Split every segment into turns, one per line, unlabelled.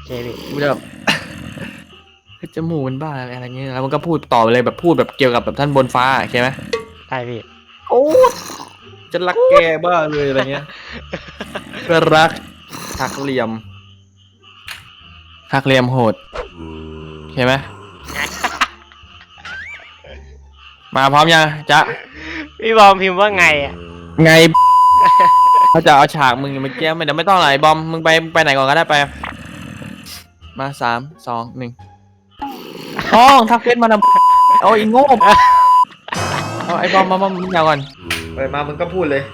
เคพี่
กูจะแบบจมูกมันบ้าอะไรเงี้ยแล้วมันก็พูดต่อไปเลยแบบพูดแบบเกี่ยวกับแบบท่านบนฟ้าโอเคไหม
ได้พี่
โอ้จะรักแกบ้าเลยอะไรเงี้ยเพื่อรักหักเหลี่ยมหักเหลี่ยมโหดโอเคไหมมาพร้อมยังจ๊ะ
พี่บอมพิมพ์ว่าไงอ่ะ
ไงเขาจะเอาฉากมึงเมื่อกี้ไม่เดี๋ยวไม่ต้องไหนบอมมึงไปไหนก่อนก็ได้ไปมา3 2 1ห้องทักเฟซมาทำเอาอีโง่เอาไอ้บอมมามึงยาวก่อนเปิดมามึงก็พูดเลย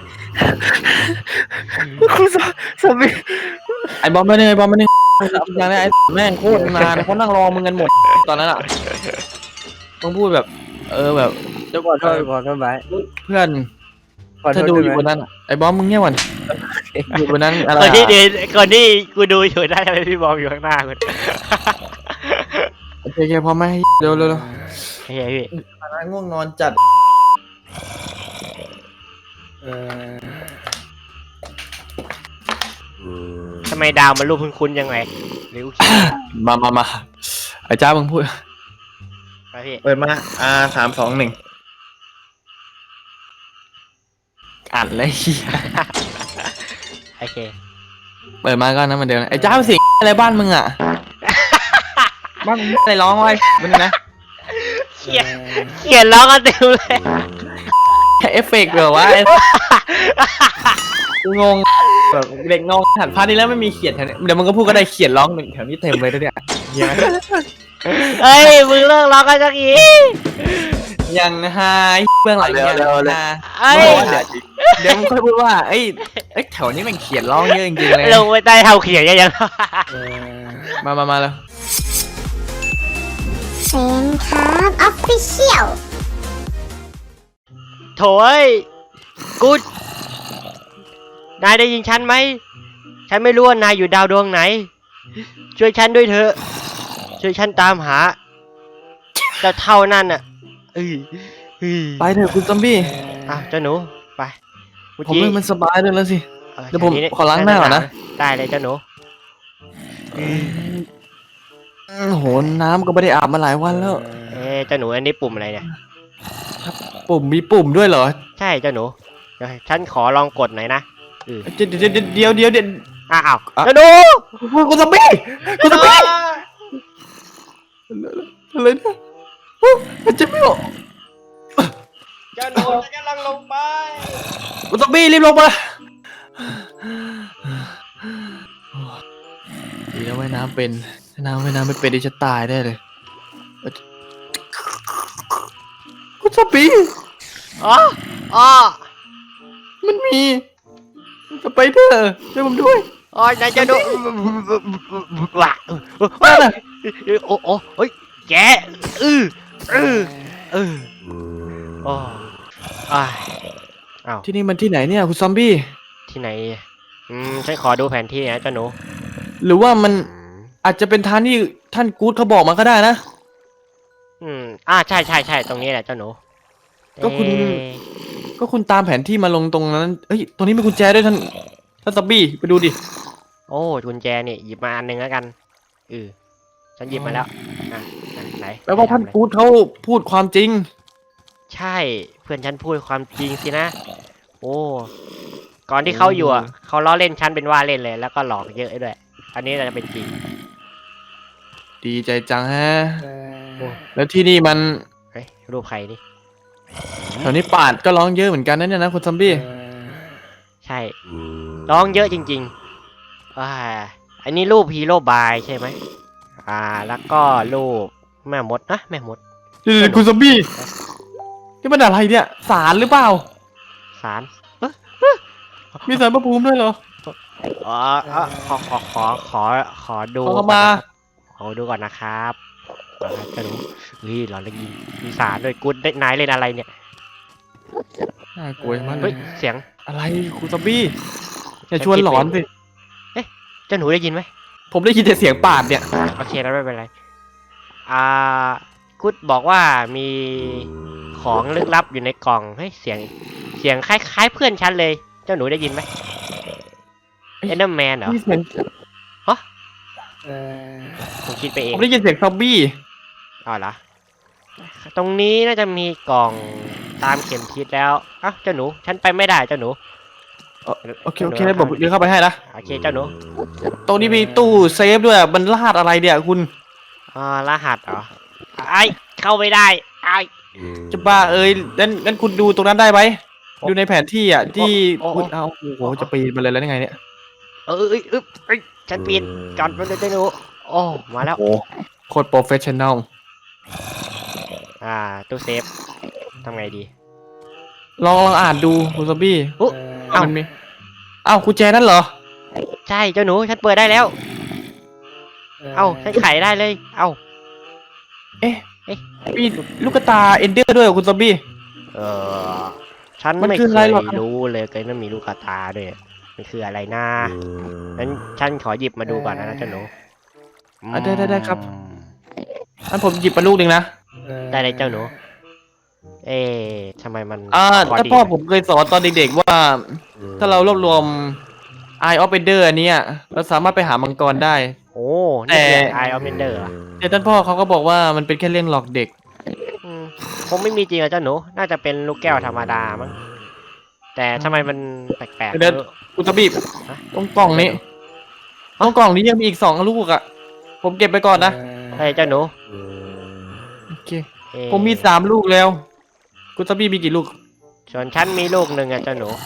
คุณสามี
ไอ้บอมไม่เนี่ยไอ้บอมไม่เนี่ยอย่างนี้ไอ้แม่งโคตรนานเขานั่งรอมึงกันหมดตอนนั้นอ่ะมึงพูดแบบแบบเดี๋ยวก่อน
ขอโทษไว้
เพื่อน
ขอโท
ถ้า
ษ
ดู
ได้
อยู่
ไหม
บนนั้นไอ้บอมมึงเงียบก่อนอยู่บนนั้นอะไร
คนที่เดินคนที่กูดูอยู่ได้ไหมพี่บอมอยู่ข้างหน้าคุณ
โอเคพร้อมไหมเร็ว
เฮ้ยพี่
ง่วงนอนจัด
ทำไมดาวมันรูปคุ้นๆยังไงหรือกูคิด
มาไอ้จ้ามึงพูด
ไปพี่
เปิดมา3 2 1อ่านเลย
โอเค
เปิดมาก็นะเหมือนเดิมไอ้จ้าเสียงอะไรบ้านมึงอ่ะบ้านมึงอะไรร้องไว้มึงนะ
เขียนร้องกันเต็มเลย
แค่เอฟเฟกต์เหรอวะกูงงแบบเด็กงงหันพาร์ทนี้แล้วไม่มีเขียนแถวนี้เดี๋ยวมึงก็พูดก็ได้เขียนร้องหนึ่งแถวนี้เต็มเลยนะเนี่ยเหี้ย
เฮ้ยมึงเลิกร้องกันสักที
ยังฮาเบื้องหลังยังฮา
เอ้ย
เดี๋ยวมึงค่อยพูดว่าไอ้แถวนี้มันเขียนร้องเยอะจริงๆเลย
ลงไปใต้เท้าเขียนยัง
มาแล้ว
เซนครับออฟฟิเชียล
โถ่เอ้ยกูนายได้ยินฉันไหมฉันไม่รู้ว่านายอยู่ดาวดวงไหนช่วยฉันด้วยเถอะช่วยฉันตามหาเจ้าเท่านั่นน่ะ
ไปเถอะคุณซอมบี้
เจ้าหนูไป
ผมเล่นมันสบายด้วยแล้วสิ เดี๋ยวผม
แถ
ขอล้างหน้าก่อนนะ
ได้เลยเจ้าหนู
โหน้ำก็ไม่ได้อาบมาหลายวันแล้ว
เจ้าหนูอันนี้ปุ่มอะไรเนี่ย
มีปุ่มด้วยเหรอ
ใช่เจ้าหนูเดี๋ยวฉันขอลองกดหน่อยนะ
เดี๋ยว
อ้าว
อ่ะ
เจ้าหนู
คุณซอมบี้คุณซอมบี้อะไรเนี่ยมันจะไม่ออก
เจ้าหนูฉันกำลังลงไป
คุณซอมบี้รีบลงมาดีแล้วว่ายน้ำเป็นว่ายน้ำไม่เป็นดิฉันตายได้เลยคุณซอมบี้
อ๋อ
มันมีสไปเดอร์ช่วยผมด้วย
นายเจ้าหนูว้าโอ้เฮ้ยแกโอ้อ้าว
ที่นี่มันที่ไหนเนี่ยคุณซอมบี้
ที่ไหนฉันขอดูแผนที่นะเจ้าหนู
หรือว่ามันอาจจะเป็นทางที่ท่านกู๊ดเขาบอกมาก็ได้นะ
ใช่ตรงนี้แหละเจ้าหนู
ก็คุณตามแผนที่มาลงตรงนั้นเอ้ยตรงนี้มีกุญแจด้วยท่านซอมบี้ไปดูดิ
โอ้กุญแจนี่หยิบมาอันหนึ่งแล้วกันฉันหยิบมาแล้วไหน
แปลว่าท่านกู๊ดเขาพูดความจริง
ใช่เพื่อนฉันพูดความจริงสินะโอ้ก่อนที่เขาอยู่เขาล้อเล่นฉันเป็นว่าเล่นเลยแล้วก็หลอกเยอะด้วยอันนี้จะเป็นจริง
ดีใจจังฮะแล้วที่นี่มัน
เฮ้ยรูปใครนี่
แถวนี้ป่าดก็ร้องเยอะเหมือนกันนะเนี่ยนะคุณซอมบี้
ใช่ร้องเยอะจริงๆอันนี้รูปฮีโร่บายใช่ไหมแล้วก็รูปแม่มดนะแม่มด
เดี๋ยวคุณซอมบี้นี่มันอะไรเนี่ยศาลหรือเปล่า
สาร
มีศาลพระภูมิด้วยเหรอ
ขอดู
ขอเข้ามา
ขอดูก่อนนะครับจะดูหลอนเลยมีสารด้วยกูได้นายเล่นอะไรเนี่ย
น่ากลัวมากเล
เฮ้ย
ย
เสียง
อะไรคุณซอมบี้อย่าชวนหลอนสิ
เจ้าหนูได้ยินไหม
ผมได้ยินแต่เสียงป่าดเนี่ย
โอเคแล้วไม่เป็นไรกุดบอกว่ามีของลึกลับอยู่ในกล่องเฮ้ยเสียงคล้ายๆเพื่อนฉันเลย เจ้าหนูได้ยินไหมเอ็นเดอร์แมนเหรอ
นี่เสียง
ฮะ
เออ
ผมคิดไปเอ
ผ
ง
มได้ยินเสียงซอมบี้
อ๋อเหรอตรงนี้น่าจะมีกล่องตามเข็มทิศแล้วอ้าวเจ้าหนูฉันไปไม่ได้เจ้าหนู
โอเคโอเคผมเดินเข้าไปให้นะ
โอเคเจ้าหนู
ตรงนี้มีตู้เซฟด้วยมันรหัสอะไรเนี่ยคุณ
อ๋อรหัสเหรอไอ้เข้าไม่ได้ไอ้
จะบ้าเอ้ยงั้นคุณดูตรงนั้นได้ไหมดูในแผนที่อ่ะที่คุณเอาโอ้โหจะปีนมาเลยแล้วยังไงเนี่ย
เอ้ยฉันปีนก่อนไปเลยเจ้าหนูโอ้มาแล้ว
โอ้โหโคตรโปรเฟชชั่นแนล
ตู้เซฟทำไงดี
ลองอ่านดูคุณซอมบี้
อุ๊ เอ้า
มันมีอ้าวกุญแจนั่นเหรอ
ใช่เจ้าหนูฉันเปิดได้แล้ว เอ้าฉันไขได้เลยเอ้า
เอ๊ะ
เอ๊ะ
มีลูกตาเอนเดอร์ด้วยเหรอคุณซอมบี้
เออฉัน
มัน
ไม่
คือ
เค
อะไร
ย
หรอครับ
รู้เลยเกิดมันมีลูกกระตาด้วยมันคืออะไรนะงั้นฉันขอหยิบมาดูก่อนนะเจ้าหนู
ได้ครับงั้นผมหยิบมาลูกหนึ่งนะ
ได้เลยเจ้าหนู เอ๊ะทำไมมัน
ถ้าพ่อผมเคยสอนตอนเด็กๆว่า ถ้าเรารวบรวม Eye of Ender อันเนี้ยเราสามารถไปหามังกรได้
โอ้นี่คือ
แต่
Eye of Ender เหรอ
แต่ท่านพ่อเขาก็บอกว่ามันเป็นแค่เรื่องหลอกเด็ก
อืมคงไม่มีจริงอะเจ้าหนู น่าจะเป็นลูกแก้วธรรมดามั้งแต่ทำไมมันแปลกๆ
เดี๋ยว
ไม่รู้
คุณซอมบี้
ฮะ
ตรงกล่องนี้ตรงกล่องนี้ยังมีอีก2 ลูกอ่ะ ผมเก็บไปก่อนนะ
เฮ้ยเจ้าหนู
โอเค
เอ๊ะ
ผมมี3 ลูกแล้ว คุณซอมบี้มีกี่ลูก
ส่วนฉันมีลูกหนึ่งอะเจ้าหนู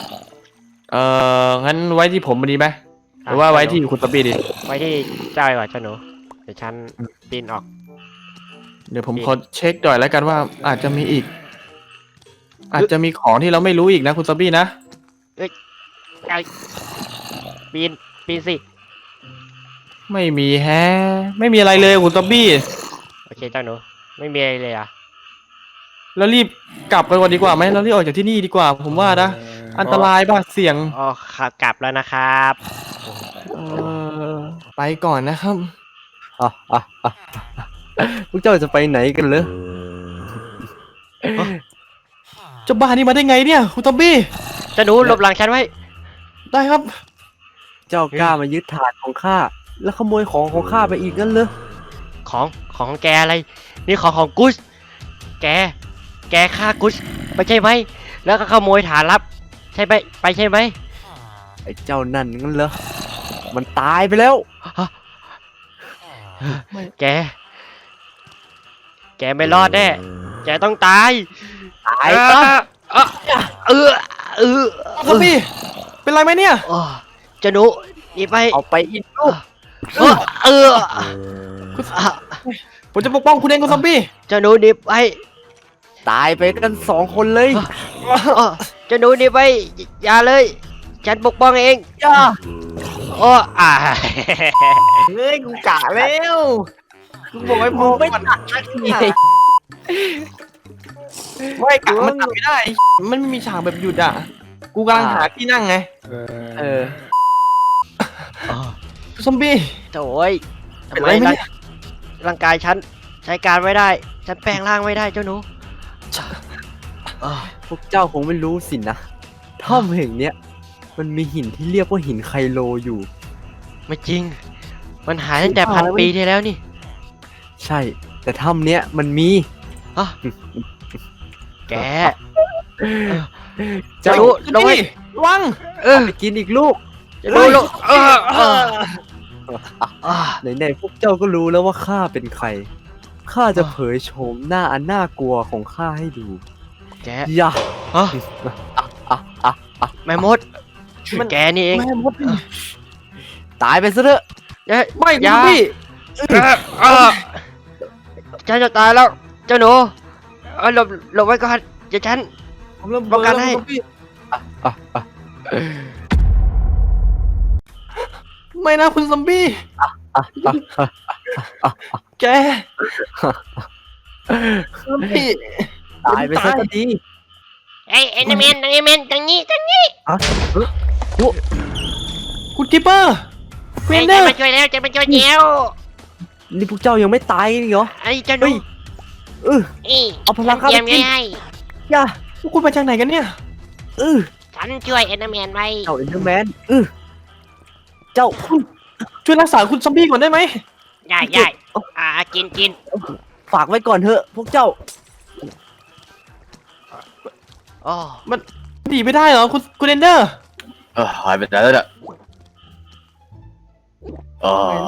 งั้นไว้ที่ผมดีไหมหรือว่าไว้ที่คุณซอมบี้ดี
ไว้ที่เจ้าดีกว่าเจ้าหนู เดี๋ยวฉันปีนออก
เดี๋ยวผมขอเช็คหน่อยแล้วกันว่าอาจจะมีอีก อาจจะมีของที่เราไม่รู้อีกนะคุณซอมบี้นะ
ไอ้ปีนสิ
ไม่มีแฮะ ไม่มีอะไรเลยคุณซอมบี้
โอเคเจ้าหนู ไม่มีอะไรเลยอะ
แล้วรีบกลับไปก่อนดีกว่าไหมเรารีบออกจากที่นี่ดีกว่า ผมว่านะ อันตรายบ้าเสี่ยง
อ๋อขับกลับแล้วนะครับ
เออไปก่อนนะครับ
อ่ะอ่ะอ่ะพวกเจ้าจะไปไหนกันเหรอ
เจ้าบ้านี่มาได้ไงเนี่ยคุณซอมบี้
เจ้าหนูหลบหลังฉันไว้
ได้ครับ
เจ้ากล้ามายึดถาดของข้าแล้วขโมยของข้าไปอีกงั้นเหรอ
ของแกอะไร นี่ของกุสแกฆ่ากุสไม่ใช่ไหม แล้วก็ขโมยฐานลับ ใช่ไหมใช่ไหม
ไอ้เจ้านั่นงั้นเหรอมันตายไปแล้ว
แกไม่รอดแน่ แกต้องตาย
ตาย
เอ
ซะ
อเออ
ซอมบี้ เป็นไรไหมเนี่ย
โอ้เจ้าหนูหนีไป
เอาไปอีกลูก
เออ
ผมจะปกป้องคุณเองคุณซอมบี้
เจ้าหนูหนีไป
ตายไปกัน2 คนเลย
เจ้าหนูหนีไป อย่าเลย ฉันปกป้องเอง
ย่า
โอ้
เฮ้ยกูกะแล้วกูบอกไว้มึงไม่ตัดไม่กะมันตัดไม่ได้ มันไม่มีฉากแบบหยุดอ่ะ กูกำลังหาที่นั่งไง
เออ
ซอมบี้
โถ่ย
เป็
ทำ
น
ไม
ไรไหม
ร่าง
เนี่ย
ร่างกายฉันใช้การไม่ได้ ฉันแปลงร่างไม่ได้เจ้าหนู
พวกเจ้าคงไม่รู้สินะถ้ำแห่งเนี้ยมันมีหินที่เรียกว่าหินไคโลอยู่
ไม่จริง มันหายตั้งแต่1,000 ปีที่แล้วนี่
ใช่ แต่ถ้ำเนี้ยมันมี
อ่ะแก
เจ้า
รู้ลงไว้
ระวัง
ไปกินอีกลูก
จะรู้ลูก
ไหนๆพวกเจ้าก็รู้แล้วว่าข้าเป็นใคร ข้าจะเผยโฉมหน้าอันน่ากลัวของข้าให้ดู
แก
อย่า
ฮะแม่มดแกนี่เอง
แม่มด
ตายไปซะเถอะ
ไม่
อ
คุณ
ย่า
พี่
ฉันจะตายแล้ว เจ้าหนูหลบไว้ก่อนเดี๋ยวฉัน
ผมเริ่ม
ป้องกันให้
คุณพี่ไม่นะคุณซอมบี้แกคุณพี่
ตายไปซะก็ดี
เอ้ยเอ็นเมนตรงนี้
คุณกิปเปอร์เคว
เฮ้ย
นเด
จะ
อร์
มาช่วยแล้วจะมาช่วยแล้ว
นี่พวกเจ้ายังไม่ตายกันอีกเหรอ
ไอ้เจ้าหนู
เออ
อี
เอาพลังข้า
เตรียม
ไปกิน
ไว้ให้
อย่า
พวกคุณมาจากไหนกันเนี่ย
เออ
ฉันช่วยเอ็นเมนไว้
เจ้าเอ็นเดอร์แมนเจ้า
ช่วยรักษาคุณซอมบี้ก่อนได้ไหม
ใหญ่ใหญ่กิน
ฝากไว้ก่อนเถอะพวกเจ้า
อ๋อ
หนีไม่ได้เหรอคุณเอนเดอร์
หายไปไหนแล้วเนี่ยเออ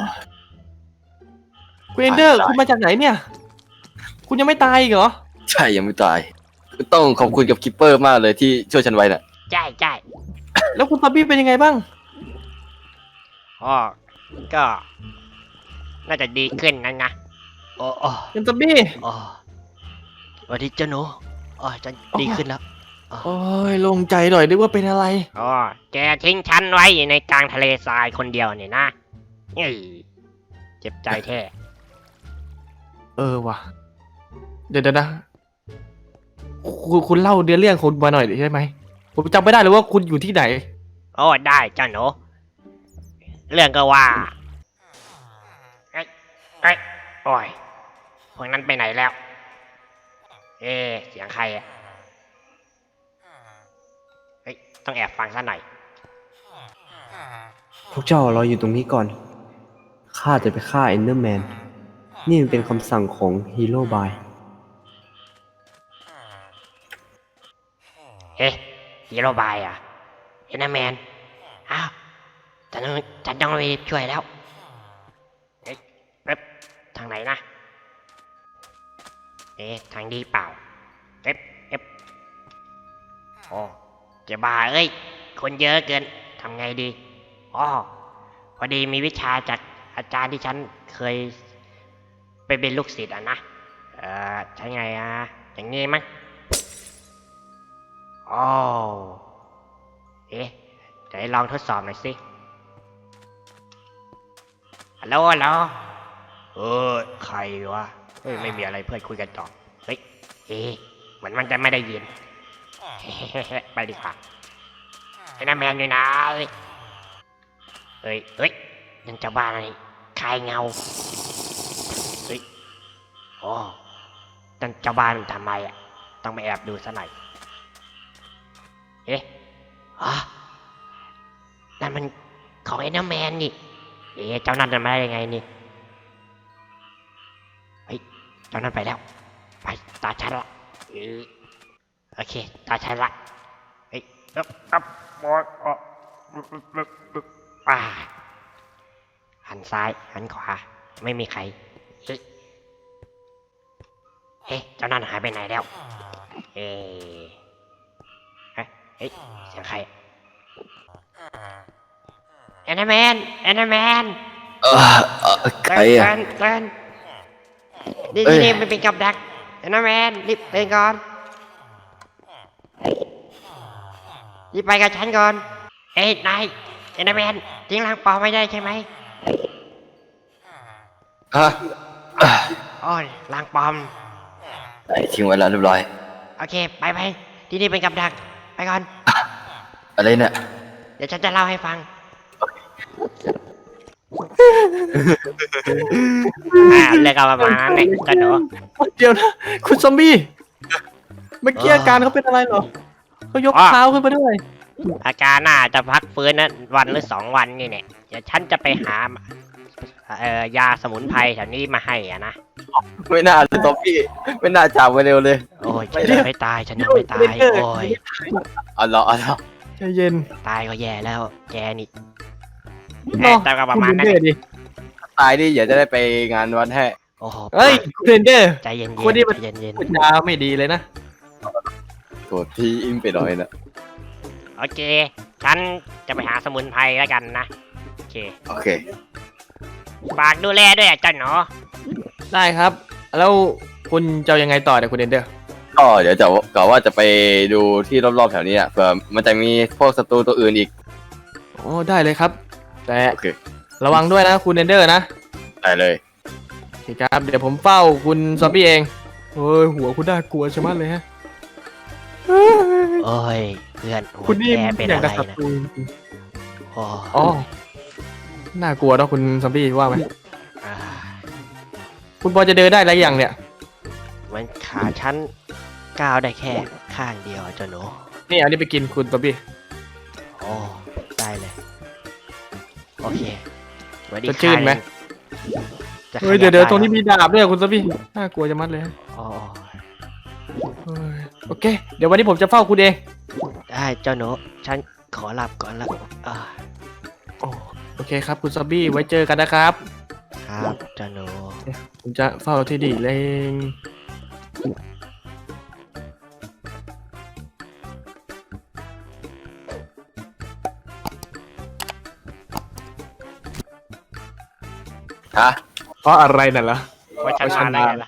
คุณเอนเดอร์
ตาย
คุณมาจากไหนเนี่ย คุณยังไม่ตายอีกเหรอ
ใช่ยังไม่ตาย ต้องขอบคุณกับคิปเปอร์มากเลยที่ช่วยฉันไว้น่ะ
ใช่
แล้วคุณซอมบี้เป็นยังไงบ้าง
อ๋อก็น่าจะดีขึ้นนะ
โอ้โอ้
คุณซอมบี้
โอ้สวัสดีเจ้าหนูอ๋อฉันดีขึ้นแล้ว
โอ้ยโล่งใจหน่อยนึกว่าเป็นอะไร
อ๋อแกทิ้งฉันไว้อยู่ในกลางทะเลทรายคนเดียวเนี่ยนะเอ้ยเจ็บใจแท้
เออว่ะ เดี๋ยวนะคุณเล่าเรื่องคุณมาหน่อยได้ไหม ผมจำไม่ได้เลยว่าคุณอยู่ที่ไหน
โอ้ได้เจ้าหนูเรื่องก็ว่าเอ้ยโอ้ยพวกนั้นไปไหนแล้ว เสียงใครอะเฮ้ยต้องแอบฟังซะหน่อย
พวกเจ้ารออยู่ตรงนี้ก่อน ข้าจะไปฆ่าเอนเดอร์แมน นี่มันเป็นคำสั่งของฮีโร่บาย
ฮีโร่บายอ่ะเอ็นแมนอ้าวฉันต้องไปช่วยแล้วเอ๊ะทางไหนนะทางดีเปล่าโอ้เจะบ้าเอ้ยคนเยอะเกินทำไงดีอ๋อพอดีมีวิชาจากอาจารย์ที่ฉันเคยไปเป็นลูกศิษย์อ่ะนะใช่ไงอย่างงี้มั้งอ๋อเดี๋ยวลองทดสอบหน่อยสิฮัลโหลใครวะเฮ้ยไม่มีอะไรเพื่อนคุยกันต่อเฮ้ยเหมือนมันจะไม่ได้ยิน ไปดีกว่าไอ้น้าแมนอยู่ไหนเฮ้ยยังจะบ้าอะไรใครเงาเฮ้ยโอ้ตั้งเจ้าบ้านมันทำไมต้องไปแอบดูซะหน่อยนั่นมันของไอ้น้าแมนนี่เจ้านั่นจะมาได้ยังไงนี่เฮ้ยเจ้านั่นไปแล้วไปตาฉันละโอเคตาฉันละเฮ้ยหันซ้ายหันขวาไม่มีใครเเจ้านั่นหายไปไหนแล้วเฮ้ยเสียงใครแอนนาแมน
ใครอ่ะ
เกินนี่
เอ้ย
นี่มันเป็นกับดักแอนนาแมนรีบไปก่อนรีบไปกับฉันก่อนนายแอนนาแมนทิ้งร่างปลอมไม่ได้ใช่ไหม
ฮะ
โอ้ยร่างปลอม
ทิ้งไว้แล้วเรียบร้อย
โอเคไปที่นี่เป็นกับดักไปก่อน
อะไรเนี่ย
เดี๋ยวฉันจะเล่าให้ฟังเรื่องก็ประมาณนั้นเลยกันหนู
เดี๋ยวนะ คุณซอมบี้ เมื่อกี้อาการเขาเป็นอะไรเหรอเขายกเท้าขึ้นมาด้วย
อาการน่าจะพักฟื้นนะวันหรือ2 วันนี่เนี่ยเดี๋ยวฉันจะไปหายาสมุนไพรแถวนี้มาให้นะ
ไม่น่าเลยซอมบี้ไม่น่าจับไปเร็วเลย
โอ้ยฉันยังไม่ตายฉันยังไม่ตายโอ้ย
เอาละ
ใจเย็น
ตายก็แย่แล้วแกนี่
แต่ก็ประมาณนั้น
คุณเดนเดอร์ดิ
ตายดิอย่าจะได้ไปงานวันให้
โอ้โห
เฮ้ยคุณเดนเดอร์
ใจเย็น
คนนี้มัน
ใจเย็น
พูดจาไม่ดีเลยนะ
โกรธที่อิงไปหน่อยนะ
โอเคฉันจะไปหาสมุนไพรแล้วกันนะโอเค
โอเค
ฝากดูแลด้วยเจ้าหนู
ได้ครับ แล้วคุณจะเอายังไงต่อเนี่ยคุณเดนเดอร์
ก็เดี๋ยวจะกะว่าจะไปดูที่รอบๆแถวนี้อ่ะเผื่อมันจะมีพวกศัตรูตัวอื่นอีก
โอ้ได้เลยครับ แต่
โอเค
ระวังด้วยนะคุณเดนเดอร์นะ
ได้เลย
โอเคครับ เดี๋ยวผมเฝ้าคุณซอมบี้เองเฮ้ยหัวคุณน่ากลัวใช่ไหมเลยฮะ
โอ้ยเพื่อนโอ้ย
คุณนี่
แกเป็น
อย่าง
อะไร
กับศั
นะ
ตรู
โอ้
อ๋อน่ากลัวเนอะคุณซอมบี้ว่าไหม
อ่า
คุณพอจะเดินได้อะไรอย่างเนี่ย
มันขาฉันก้าวได้แค่ข้างเดียวเจ้าหนู
นี่เอานี่ไปกินคุณซอมบี้
โอ้ได้เลยโอเควัสดี
จะชื่นไหม
จะข
เฮ้ย
บ
เดี๋ยว
ได้
ตรงนี้มีดาบด้วยคุณซอบี้น่ากลัวจะมัดเลย
อ๋อ
เฮ้ยโอเค เดี๋ยววันนี้ผมจะเฝ้าคุณเอง
ได้เจ้าหนูฉันขอหลับก่อนละอ่า
โอเคครับคุณซอบี้ไว้เจอกันนะครับ
ครับเจ้าหนู
ผมจะเฝ้าที่ดีเลง
ฮะ
เพราะอะไรนั่นล่ะ
ว่าฉันมาได้ไงล่ะ